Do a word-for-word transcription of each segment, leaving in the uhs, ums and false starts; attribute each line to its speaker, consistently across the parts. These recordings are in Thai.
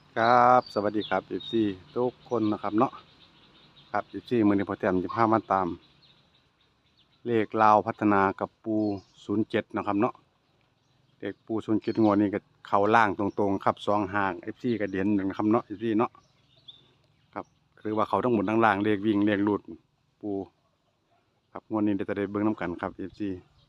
Speaker 1: ครับสวัสดีครับเอฟซีทุกคนนะครับเนาะครับเอฟซีมือนี้พอแต้มจะพามาตามเลขลาวพัฒนากับปูศูนย์เจ็ดนะครับเนาะเลขปูศูนย์เจ็ดงวดนี้ก็เข้าล่างตรงๆครับสองห่างเอฟซีก็เด่นหนึ่งนะครับเนาะเอฟซีเนาะครับคือว่าเขาทั้งหมดทั้งล่างเลขวิ่งเลขหลุดปูครับงวดนี้เดี๋ยวจะได้เบิ่งน้ำกันครับเอฟซี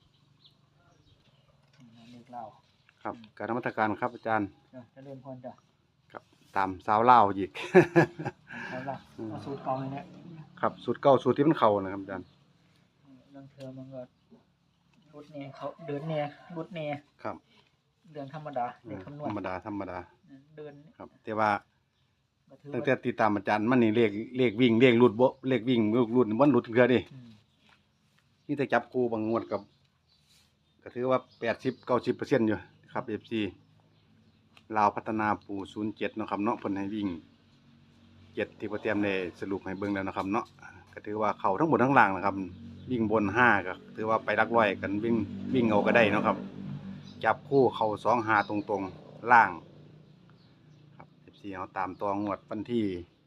Speaker 2: เลขเล่า
Speaker 1: ครับการนมัสการครับอาจารย์
Speaker 2: เจะเริ่มพรจ้ะ
Speaker 1: ครับตามสาวเล่าวอีก
Speaker 2: เอาละเอาสูตรเก่าเลยเนี่ย
Speaker 1: ครับสูตรเก่าสูตรที่มันเข่านะครับอาจารย์
Speaker 2: เรื่องเธอมันก็รุดเนี่ยเขาเดินเนี่ยรุดเนี่ย
Speaker 1: ครับ
Speaker 2: เดินธรรมดาเด็กคำนวณ
Speaker 1: ธรรมดาธรรมดา
Speaker 2: เดิน
Speaker 1: ครับแต่ว่าตั้งแต่
Speaker 2: ว่า
Speaker 1: ติดตามอาจารย์มันนี่เลขเลขวิ่งเลขหลุดบ่เลขวิ่งลูกหลุดมันหลุดเทื่อเดิ
Speaker 2: อืม
Speaker 1: นี่แต่จับคู่บางงวดกับก็ถือว่าแปดสิบเก้าสิบเปอร์เซ็นต์อยู่ครับเอฟซีลาวพัฒนาปูศูนย์เจ็ดเนาะครับเนาะเพิ่นให้วิ่งเจ็ดที่โปรเตรียมได้สรุปให้เบิ่งแล้วนะครับเนาะก็ถือว่าเข้าทั้งหมดทั้งล่างนะครับวิ่งบนห้าก็ถือว่าไปหลักร้อยกันวิ่งวิ่งเอาก็ได้เนาะครับจับคู่เข้าสองห้าตรงๆล่างครับเอฟซีเอาตามตัวงวดวันที่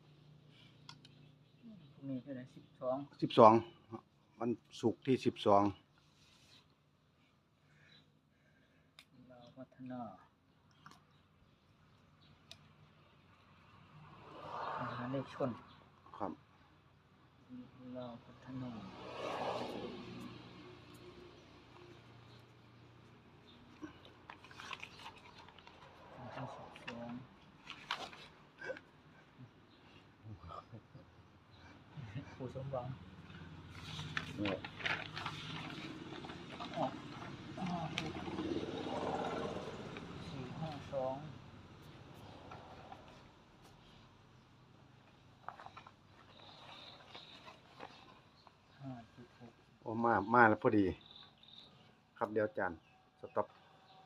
Speaker 2: พรุ่งนี้เท่าไหร่สิบสอง
Speaker 1: สิบสองวันศุกร์ที่สิบสอง
Speaker 2: เราพัฒนาหาเลขชน
Speaker 1: ครับ
Speaker 2: เราพัฒนาห้าสิบสองผู้สมหวังออกห้าหกสี่ห้าสองห้าสิบหก
Speaker 1: โอ้มามาแล้วพอดีครับเดี๋ยวอาจารย์สต็อป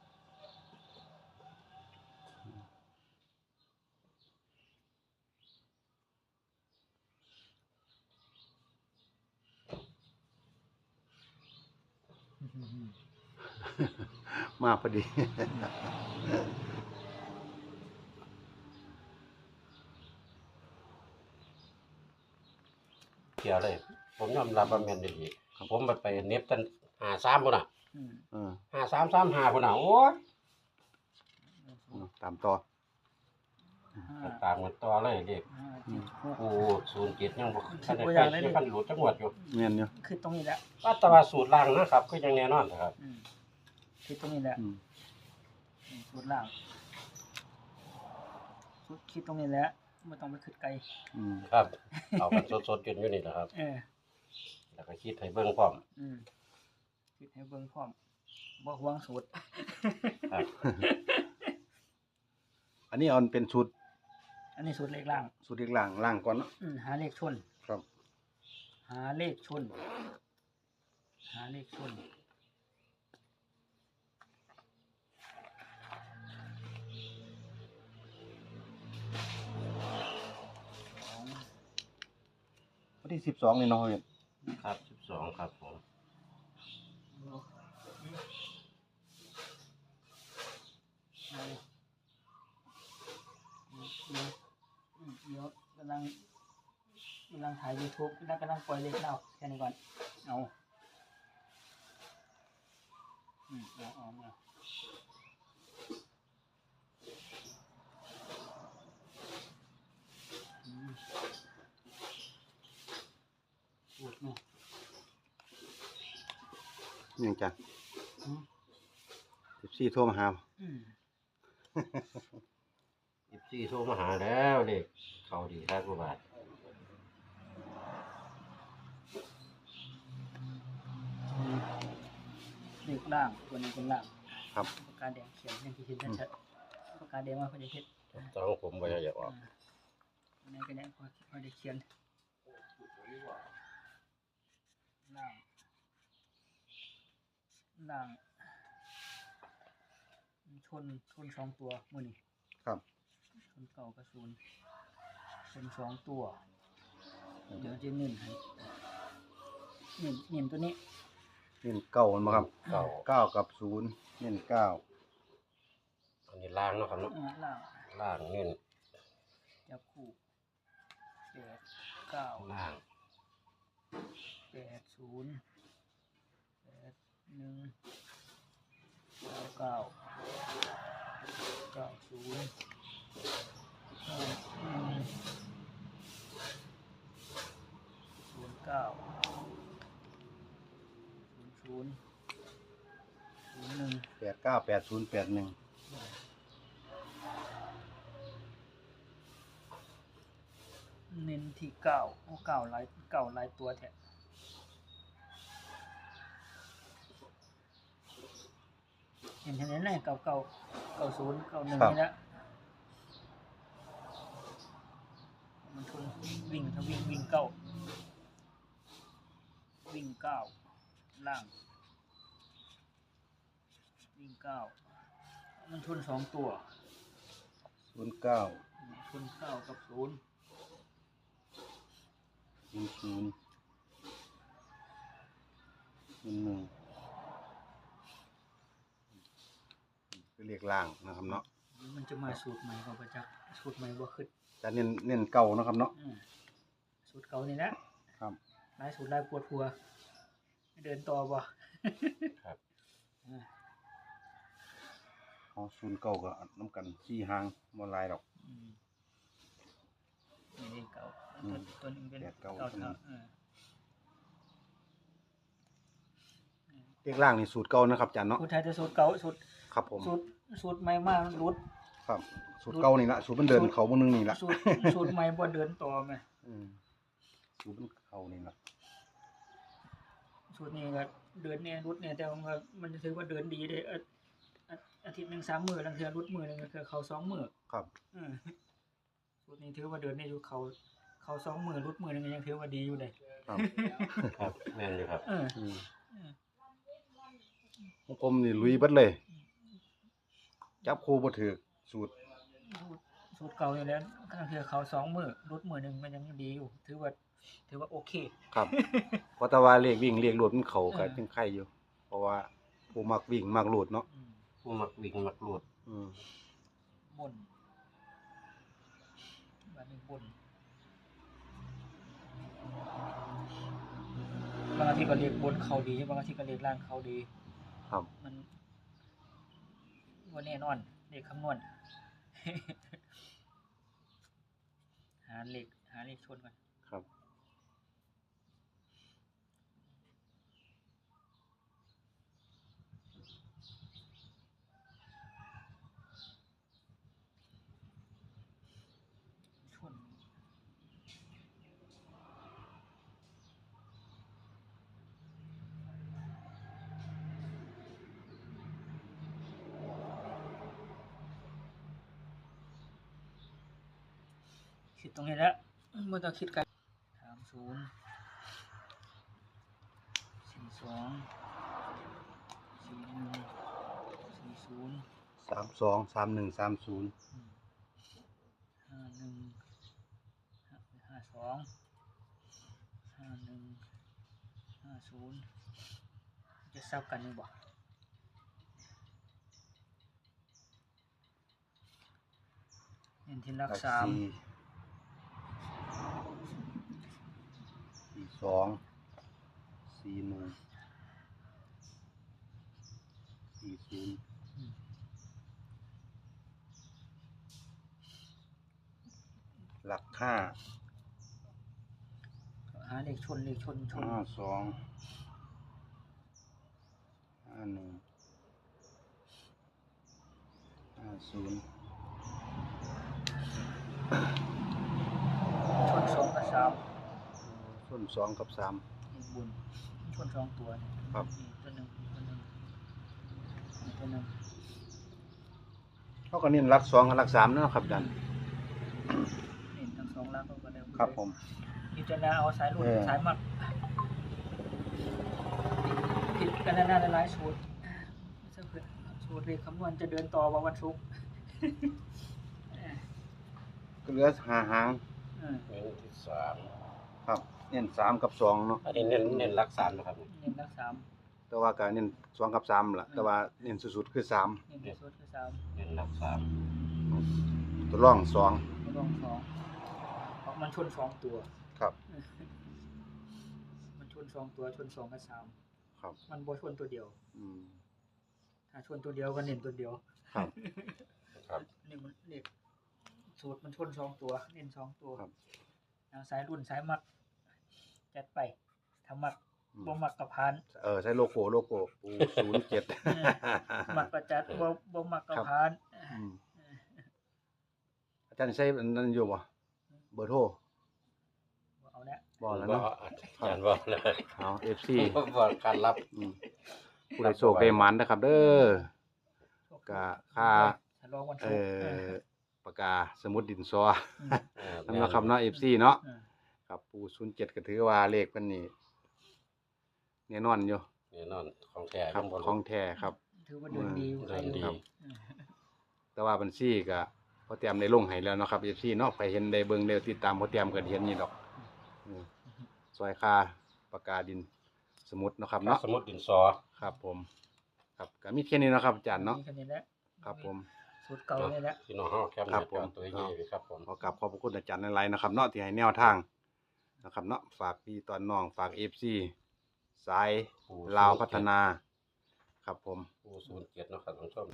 Speaker 1: มาพอดี
Speaker 3: เกี่ยวเลยผมยอมรับว่าแม่นดีผมไปไปเน็บตั้งหาสามพุ่นน่ะ
Speaker 2: อืม
Speaker 1: เออ
Speaker 3: หาสามสามหาพุ่นน่ะโอ้ย
Speaker 1: ตามต่อ
Speaker 2: ห้า
Speaker 3: ตามกันต่อเลยเด็ก
Speaker 2: ห้าเจ็ดหก
Speaker 3: โอ้ศูนย์เจ็ดยังบ่ทันได้
Speaker 2: ตัวอ
Speaker 3: ไป
Speaker 2: ย่างเลย
Speaker 3: ยังพันหลุดจังหวัดอยู่
Speaker 1: เงี้ยเนี่ย
Speaker 2: คือตรงนี้แหละ
Speaker 3: ว่าแต่ว่าสูตรล่างนะครับคือยังแน่นอนนะครับ
Speaker 2: อืมคือตรงนี้แหละ
Speaker 1: อืม
Speaker 2: อืมสูตรล่างสูตรคิดตรงนี้แหละไม่ต้องไปคิดไกล
Speaker 1: อืม
Speaker 3: ครับ เอากันสดๆจนอยู่นี่แหละครับ
Speaker 2: เออ
Speaker 3: แล้วก็คิดให้เบิ่งพร้อม
Speaker 2: อืมคิดให้เบิ่งพร้อมบ่หวงสูตร
Speaker 3: ครับ
Speaker 1: อันนี้เอาเป็นสูตร
Speaker 2: อันนี้สูตรเลขล่าง
Speaker 1: สูตรเลขล่างล่างก่อนเนาะ
Speaker 2: อืมหาเลขชน
Speaker 1: ครับ
Speaker 2: หาเลขชน หาเลขชน สอง
Speaker 1: วันที่สิบสองนี่เนาะเห็น
Speaker 3: ครับสิบสองครับผม
Speaker 2: เอาเดี๋ยวอืมเดี๋ยวกำลังกำลังถ่าย YouTube แล้วกำลังปล่อยเลขเล่าแค่นี้ก่อน เอาอืมเอาเอาเอาอืมพูดเนาะ
Speaker 1: ยังจ้ะ
Speaker 2: อืม
Speaker 1: สิบสี่โทรมาหา
Speaker 2: อืม
Speaker 3: สิบสี่โทรมาหาแล้วเด็กเข้าดีครับกว่าบาท
Speaker 2: เลขล่างตัวนี้เป็นล่าง
Speaker 1: ครับ
Speaker 2: ปากกาแดงเขียนอย่างที่เห็นชัดๆปากกาแดงว่าเขาจะเห็น
Speaker 3: ต้องผมบ่อยากออก
Speaker 2: อันนี้ก็ได้พอพอได้เขียนล่างล่างชนชนสองตัวมือนี่
Speaker 1: ครับ
Speaker 2: ชนเก่ากับศูนย์ชนสองตัว เดี๋ยวจะเน้นให้เน้นเน้นตัวนี้
Speaker 1: เน้นเก้ามันมาครับ
Speaker 3: เก้า
Speaker 1: เก้ากับศูนย์เน้นเก้า
Speaker 3: อันนี้ล่างเนาะครับเนาะ
Speaker 2: อ่าล่าง
Speaker 3: ล่างเงิน
Speaker 2: จับคู่แปดเก้า
Speaker 3: ล่าง
Speaker 2: แปดศูนย์แปดหนึ่งเก้าเก้าเก้าศูนย์เก้าหนึ่งศูนย์เก้าศูนย์ศูนย์ศูนย์หนึ่ง
Speaker 1: แปดเก้าแปดศูนย์แปดหนึ่ง
Speaker 2: เน้นที่เก้าโอ้เก้าหลายเก้าหลายตัวแท้เห็นเห็นไหมเก้าเก้าเก้าศูนย์เก้าหนึ่งนี่ละมันชนวิ่งถ้าวิ่งวิ่งเก้าวิ่งเก้าล่างวิ่งเก้ามันชนสองตัว
Speaker 1: ศูนย์เก้า
Speaker 2: ชนเก้ากับศูนย์
Speaker 1: ศูนย์ศูนย์ศูนย์หนึ่งคือเลขล่างนะครับเนาะ
Speaker 2: มันจะมาสูตรใหม่ของประจักษ์สูตรใหม่บ่ขึ้น
Speaker 1: จะเน้นเน้นเก่านะครับเนาะ
Speaker 2: อืมสูตรเก่านี่นะครับ หลายสูตรหลายปวดหัวเดินต่อบ่
Speaker 3: ครับ
Speaker 2: อ่า
Speaker 1: เอาศูนย์เก่าก็น้ำกันสี่หางบ่หลายดอก
Speaker 2: อืมนี่เลขเก่า
Speaker 1: อืม
Speaker 2: ตัวตัวนึงเป็น
Speaker 1: แปดเก้า
Speaker 2: เก่าเท่าเออ
Speaker 1: เลขล่างนี่สูตรเก่านะครับอาจารย์เนาะ
Speaker 2: สูตรไทยจะสูตรเก่าสูตร
Speaker 1: ครับผม
Speaker 2: สูตรสูตรใหม่มากรุด
Speaker 1: ครับสูตรเก่านี่ละสูตรมันเดิน
Speaker 2: สูตร
Speaker 1: เขาบนนึงนี่ละ
Speaker 2: สูตรสูตรใหม่บ่เดินต่อแม่
Speaker 1: อืมสูตรมันเขานี่ละ
Speaker 2: สูตรนี้ก็เดินเนี่ยรุดเนี่ยแต่ว่ามันมันถือว่าเดินดีเด้ออาอาอาทิตย์หนึงสามมื้อลังเทื่อรุดมื้อหนึงก็คือเขาสองมื้อ
Speaker 1: ครับ
Speaker 2: อืมสูตรนี้ถือว่าเดินได้อยู่เขาเขาสองมือรุดมือหนึงก็ยังถือว่าดีอยู่เลย
Speaker 1: ครับ
Speaker 3: ครับแม่นอยู่ครับ
Speaker 2: เออ
Speaker 1: อืม
Speaker 2: เออ
Speaker 1: ของผมนี่ลุยเบิดเลย จับคู่บ่ถือสูตร
Speaker 2: สูตรสูตรเก่าอยู่แล้วก็คือเขาสองมือรุดมือหนึ่งมันยังดีอยู่ ถือว่า ถือว่าโอเค
Speaker 1: ครับ เพราะแต่ว่าเลขวิ่งเลขโหลดมันเข้าก็
Speaker 2: เออ
Speaker 1: จังไข่อยู่ เพราะว่าผู้มักวิ่งมักโหลดเนาะ
Speaker 2: อืม
Speaker 3: ผู้มักวิ่งมักรูด
Speaker 1: อืม
Speaker 2: บนบ้านนี้บนบางอาทิตย์ก็เรียกบนเขาดีบางอาทิตย์ก็เรียกล่างเขาดี
Speaker 1: ครับ
Speaker 2: มันว่าแน่นอนเลขคำนวณ หาเลขหาเลขชนก่อน
Speaker 1: ครับ
Speaker 2: ชนคิดตรงนี้แล้วเมื่อต้องคิดกันสามศูนย์สี่สองสี่หนึ่งสี่ศูนย์
Speaker 1: สามสองสามหนึ่งสามศูนย์
Speaker 2: ห้าหนึ่งห้าสองห้าหนึ่งห้าศูนย์จะซับกันยังบ่เน้นที่หลัก
Speaker 1: หลัก
Speaker 2: สาม
Speaker 1: สี่สี่สองสี่หนึ่งสี่ศูนย์
Speaker 2: อืม
Speaker 1: หลักห้า
Speaker 2: หาเลขชนเลขชนชน
Speaker 1: ห้าสองห้าหนึ่งห้าศูนย์
Speaker 2: ชนสองกับสาม
Speaker 1: ส่วนสองกับสาม
Speaker 2: อีกบุญชนสองตัวเนี่ย
Speaker 1: ครับ
Speaker 2: อีกตัวหนึ่งอีกตัวหนึ่งอีกตัวหนึ่ง
Speaker 1: เขาก็เน้นหลักสองกับหลักสามนะครับอาจารย์
Speaker 2: เน้นทั้งสองล่างก็ได้
Speaker 1: ครับผม
Speaker 2: พิจารณาเอาสายหลุด
Speaker 1: เออ
Speaker 2: สายมัดผิดกันหน้าหลายๆสูตรสูตรเลขคำนวณจะเดินต่อวันศุกร์
Speaker 1: ก็เหลือหาหาง
Speaker 2: เออ
Speaker 3: เน้นที่สาม
Speaker 1: ครับเน้นสามกับสองเนาะ
Speaker 3: อันนี้เน้นเน้นรักสามนะครับ
Speaker 2: เน้นรักสาม
Speaker 1: แต่ว่าก็เน้นสองกับสามล่ะแต่ว่าเน้นสุดๆคือสาม
Speaker 2: เน้นที่สุดคือสาม
Speaker 3: เน้นรักสาม
Speaker 1: ตัวร่องสอง
Speaker 2: ไม่ต้องสอง
Speaker 1: ค
Speaker 2: มันชนสองตัว
Speaker 1: ครับ
Speaker 2: มันชนสองตัวชนสองกับสาม
Speaker 1: ครับ
Speaker 2: มันบ่ชนตัวเดียว
Speaker 1: อืม
Speaker 2: ถ้าชนตัวเดียวก็เน้นตัวเดียว
Speaker 1: ครับ
Speaker 3: ครับ
Speaker 2: นี่มันเลขสูตรมันชนสองตัวเน้นสองตัว
Speaker 1: ครับ
Speaker 2: ทางสายรุ่นสายมักจัดไปถ้ามัก
Speaker 1: อืม
Speaker 2: บ่มักก็ผ่าน
Speaker 1: เออใช้โลโก้โลโก้ปูศูนย์เจ็ด
Speaker 2: มักก็จัดบ่บ่มักก็
Speaker 1: ครับ
Speaker 2: ผ่าน
Speaker 1: อืมอาจารย์ใช้อันนั้นอยู่บ่เบอร์โทร
Speaker 2: บ่เอาแล้ว
Speaker 1: บ่แล้วเนาะ
Speaker 3: อาจารย์บอกเลย
Speaker 1: เอา เอฟ ซี
Speaker 3: ผมบอกการรับ
Speaker 1: อืมผู้ใดโชคได้หมันนะครับ เด้อ ก็ค่า
Speaker 2: ฉลองวัน
Speaker 1: เอ่
Speaker 2: ศุกร์
Speaker 1: อปากกาสมุดดินสอ
Speaker 2: อืม
Speaker 3: เออ
Speaker 1: นั่นเนาะครับเนาะ เอฟ ซี เนาะ
Speaker 2: อืม
Speaker 1: ครับปูศูนย์เจ็ดก็ถือว่าเลขเพิ่นนี่แน่นอนอยู่
Speaker 3: แน่นอนของแท้
Speaker 1: ครับ
Speaker 3: ยังบ่รู้
Speaker 1: ของแท้ครับ
Speaker 2: ถือว่าเดินดีอยู่
Speaker 3: เดินดี
Speaker 2: ครับ
Speaker 1: แต่ว่าบัญชีก็พอเตรียมได้ลงให้แล้วเนาะครับ เอฟ ซี เนาะใครเห็นได้เบิ่งได้ติดตามพอเตรียมก็เห็นนี่ดอกอืมซอยค่าปากกาดินสมุดเนาะครับเนาะ
Speaker 3: สมุดดินสอ
Speaker 1: ครับผม ครับก็มีแค่นี้เนาะครับอาจารย์เนาะ
Speaker 2: มีแค่นี้แหละ
Speaker 1: ครับผม
Speaker 2: สูตรเก่านี่แหละ
Speaker 3: พี่น้องเฮาแคปห
Speaker 1: ครั
Speaker 3: น้า
Speaker 1: บ
Speaker 3: จอ
Speaker 1: ผม
Speaker 3: ตัวใหญ่ๆไว้ครับผม
Speaker 1: ขอกราบขอบพระคุณอาจารย์หลายๆนะครับเนาะที่ให้แนวทางนะครับเนาะฝากพี่ตอนน้องฝาก เอฟ ซี สายลาวพัฒนา ครับผม
Speaker 3: ปูศูนย์เจ็ดเนาะครับท่านผู้ชม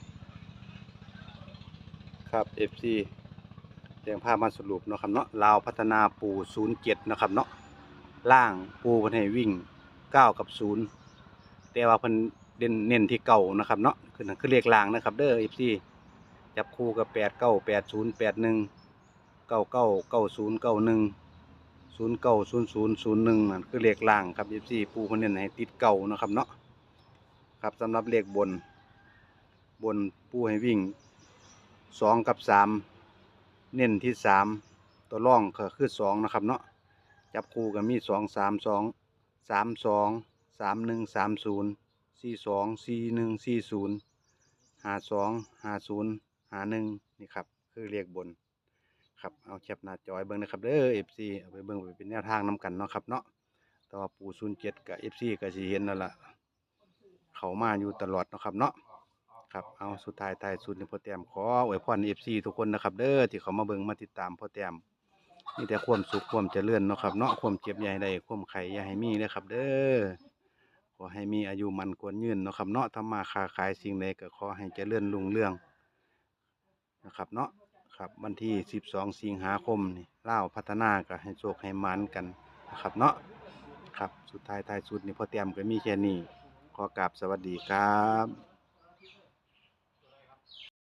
Speaker 1: ครับ เอฟ ซี เรียงภาพมาสรุปเนาะครับเนาะลาวพัฒนาปูศูนย์เจ็ดนะครับเนาะล่างปูเพิ่นให้วิ่งเก้ากับศูนย์แต่ว่าเพิ่นเน้นเน้นที่เก้านะครับเนาะคือนั่นคือเลขล่างนะครับเด้อ เอฟ ซี จับคู่กับแปดเก้าแปดศูนย์แปดหนึ่งเก้าเก้าเก้าศูนย์เก้าหนึ่งศูนย์เก้าศูนย์ศูนย์ศูนย์หนึ่งนั่นคือเลขล่างครับ เอฟ ซี ปูเพิ่นเน้นให้ติดเก้านะครับเนาะครับสำหรับเลขบน บนปูให้วิ่งสองกับสามเน้นที่สามตัวร่องก็คือสองนะครับเนาะจับคู่กันมีสองสามสองสามสองสามหนึ่งสามศูนย์สี่สองสี่หนึ่งสี่ศูนย์ห้าสองห้าศูนย์ห้าหนึ่งนี่ครับคือเลขบนครับเอาแคปหน้าจอยเบิ้งนะครับเด้อเอฟซีเอาไปเบิ้งไปเป็นแนวทางนํกันเนาะครับเนาะแต่ว่าปูศูนย์เจ็ดกับเอฟซีก็สิเห็นนั่นละเขามาอยู่ตลอดเนาะครับเนาะ ครับเอาสุดท้ายท้ายสุดนี่พ่อแต้มขออวยพร เอฟ ซี ทุกคนนะครับเด้อที่เขามาเบิ่งมาติดตามพ่อแต้มมีแต่ความสุขความเจริญเนาะครับเนาะความเจ็บอย่าให้ได้ความไข้อย่าให้มีเด้อครับเด้อขอให้มีอายุมันควรยืนเนาะครับเนาะทำมาค้าขายสิ่งใดก็ขอให้เจริญรุ่งเรืองนะครับเนาะครับวันที่สิบสองสิงหาคมนี่ลาวพัฒนาก็ให้โชคให้หมานกันนะครับเนาะครับสุดท้ายท้ายสุดนี่พ่อแต้มก็มีแค่นี้ขอกราบสวัสดีครับ